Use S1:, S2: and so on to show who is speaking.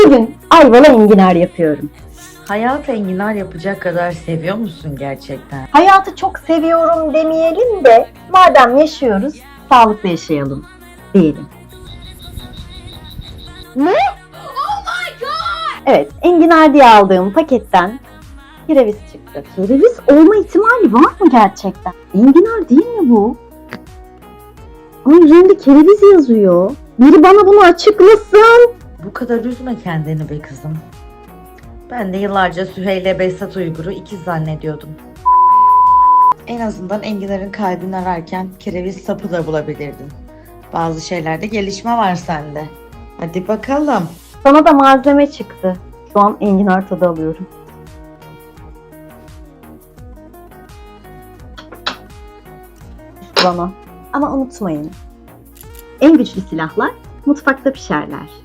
S1: Bugün ayvalı enginar yapıyorum.
S2: Hayatı enginar yapacak kadar seviyor musun gerçekten?
S1: Hayatı çok seviyorum demeyelim de madem yaşıyoruz sağlıklı yaşayalım diyelim. Ne? Oh my god! Evet, enginar diye aldığım paketten kereviz çıktı. Kereviz olma ihtimali var mı gerçekten? Enginar değil mi bu? Ama üzerinde kereviz yazıyor. Biri bana bunu açıklasın.
S2: Bu kadar üzme kendini be kızım. Ben de yıllarca Süheyl Behzat Uygur'u ikiz zannediyordum. En azından enginarın kalbini ararken kereviz sapı da bulabilirdin. Bazı şeylerde gelişme var sende. Hadi bakalım.
S1: Sana da malzeme çıktı. Şu an enginar tadı alıyorum. Bana. Ama unutmayın. En güçlü silahlar mutfakta pişerler.